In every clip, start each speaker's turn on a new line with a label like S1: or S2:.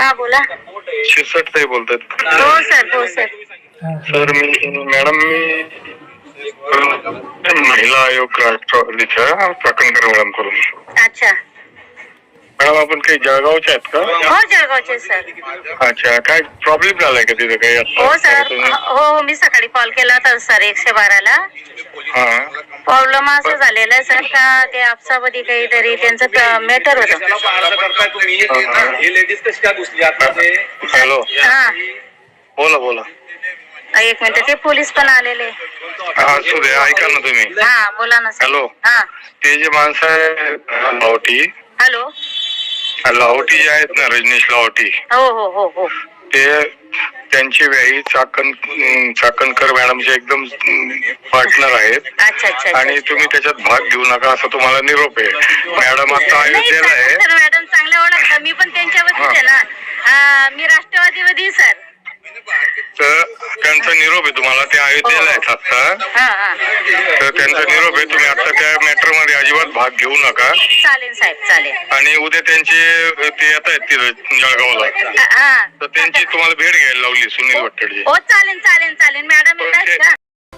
S1: हा बोला.
S2: शिरसाट साहेब बोलतात.
S1: हो सर, हो सर.
S2: सर मॅडम मी महिला आयोग राष्ट्रवादीच्या चाकणकर मॅडम करून.
S1: अच्छा.
S2: मॅडम आपण काही जळगावच्या आहेत का?
S1: हो जळगावचे सर.
S2: अच्छा, काय प्रॉब्लेम झालाय का तिथे काही?
S1: हो सर, हो मी सकाळी कॉल केला होता सर 112ला.
S2: हा,
S1: प्रॉब्लेम असं झालेला आहे सर का ते आपसामध्ये काहीतरी त्यांचं मॅटर होतं.
S2: हॅलो,
S1: हा
S2: बोला बोला.
S1: एक मिनिट, ते पोलीस पण आलेले.
S2: हा असू दे, ऐका ना तुम्ही.
S1: हा बोला ना सर.
S2: हॅलो,
S1: हा
S2: ते जे माणसं आहे लाहोटी,
S1: हॅलो,
S2: लाहोटी जे आहेत ना, रजनीश लाहोटी,
S1: हो हो हो हो,
S2: ते त्यांची व्याही चाकणकर मॅडमचे एकदम पार्टनर आहेत.
S1: अच्छा अच्छा.
S2: आणि तुम्ही त्याच्यात भाग घेऊ नका असं तुम्हाला निरोप आहे. मॅडम आता अयोध्येला आहे.
S1: मॅडम चांगल्या ओळखता, मी पण त्यांच्यावरतीच आहे ना. मी राष्ट्रवादीवादी सर.
S2: तर त्यांचा निरोप आहे तुम्हाला, ते अयोध्येला आहेत आता. तर त्यांचा निरोप आहे, तुम्ही आता त्या मॅटर मध्ये अजिबात भाग घेऊ नका.
S1: चालेल साहेब, चालेल.
S2: आणि उद्या त्यांचे ते येत आहेत तिथे जळगावला, तर त्यांची तुम्हाला भेट घ्यायला लावली सुनील वट्टेडजी.
S1: हो चालेल चालेल चालेल. मॅडम येतात का?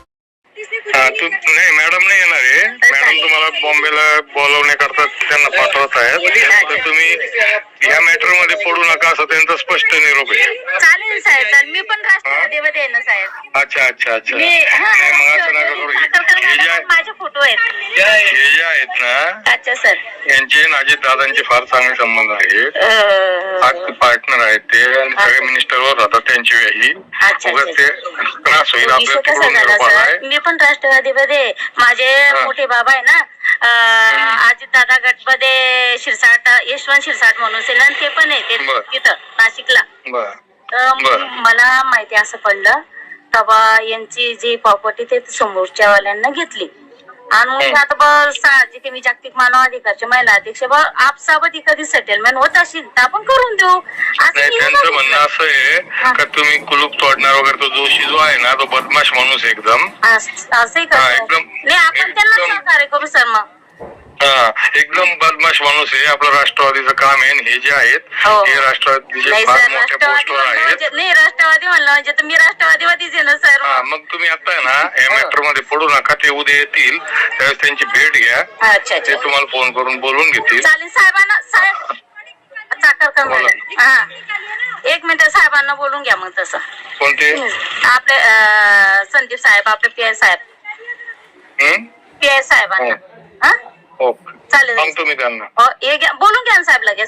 S2: नाही मॅडम नाही येणार आहे. मॅडम तुम्हाला बॉम्बेला बोलवण्याकरता त्यांना पाठवत आहेत. तर तुम्ही या मॅटर मध्ये पडू नका असं त्यांचा स्पष्ट निरोप आहे.
S1: चालेल साहेब, चालेल. मी पण राष्ट्रवादीमध्ये आहे ना साहेब.
S2: अच्छा अच्छा अच्छा.
S1: मग असं नका करू. माझे फोटो आहेत.
S2: हे जे आहेत ना,
S1: अच्छा सर,
S2: यांचे अजित दादांचे फार चांगले संबंध आहेत. पार्टनर आहेत ते, आणि सगळे मिनिस्टरवर राहतात त्यांची व्याही. ते त्रास होईल आपल्याला.
S1: मी पण राष्ट्रवादीमध्ये, माझे मोठे बाबा आहे ना अजित दादा गटमध्ये शिरसाट, यशवंत शिरसाट म्हणून सेना, ते पण आहे तिथं नाशिकला. मला माहिती असं पडलं तेव्हा यांची जी प्रॉपर्टी ते समोरच्या वाल्यांना घेतली. आणि मग आता साहजिक मी जागतिक मानवाधिकारचे महिला अध्यक्ष आपसाबत कधी सेटलमेंट होत असेल तर आपण करून देऊ.
S2: त्यांचं म्हणणं असं आहे का तुम्ही कुलूप तोडणार वगैरे, तो जोशी जो आहे ना तो बदमाश माणूस एकदम
S1: असंही करतो. नाही आपण त्यांना सहकार्य करू सर. मग
S2: एकदम बदमाश माणूस आहे. आपलं राष्ट्रवादीचं काम आहे. हे जे आहेत हे राष्ट्रवादीचे फार मोठ्या पोस्टवर आहेत. नाही
S1: राष्ट्रवादी म्हणलं म्हणजे मी राष्ट्रवादीवादीच आहे ना सर.
S2: मग तुम्ही आता आहे ना या मॅटर मध्ये पडू नका. ते उद्या येतील त्यावेळेस त्यांची भेट घ्या. ते तुम्हाला फोन करून बोलून घेतील.
S1: चालेल साहेबांना. साहेब चाकणकर मॅडम, एक मिनिट, साहेबांना बोलून घ्या मग. तसं
S2: कोणते?
S1: आपले संदीप साहेब, आपले पीआय साहेब, पीआय साहेबांना. चालेल,
S2: सांगतो मी त्यांना.
S1: बोलून घ्या ना साहेब लगेच.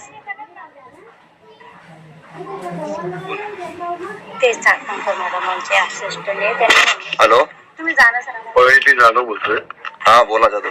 S1: ते चाकणकर मॅडमांचे असिस्टंट.
S3: हॅलो,
S1: तुम्ही जाणं सर.
S2: पळेटी जाधव बोलतोय.
S3: हा बोला जाधव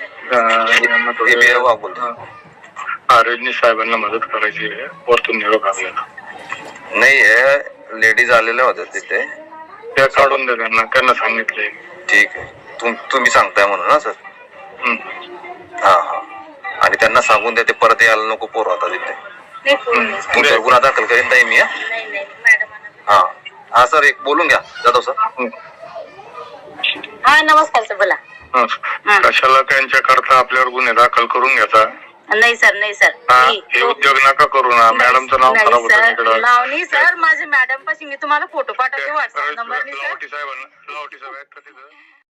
S3: सर. बोलतो.
S2: रजनीश साहेबांना मदत करायची आहे. वरतून निरोप आपल्याला
S3: नाही, लेडीज आलेल्या होत्या तिथे.
S2: त्या काढून द्या त्यांना सांगितलंय.
S3: ठीक आहे, तुम्ही सांगताय म्हणून ना सर. हा हा. आणि त्यांना सांगून द्या ते परत यायला नको पोरं आता तिथे. तुमच्यावर गुन्हा दाखल करीन नाही मी. हा हा सर, एक बोलून घ्या जाधव सर.
S1: हा नमस्कार सर, बोला.
S2: कशाला त्यांच्याकरता आपल्यावर गुन्हे दाखल करून घ्यायचा?
S1: नाही सर, नाही सर.
S2: हे उद्योग नका करू ना. मॅडमचं नाव खराब होतं.
S1: नाव नाही सर, माझे मॅडम पाशी मी तुम्हाला फोटो पाठवते व्हॉट्सअप नंबर.
S2: लाहोटी साहेबांना, लाहोटी साहेब आहेत का तिथं?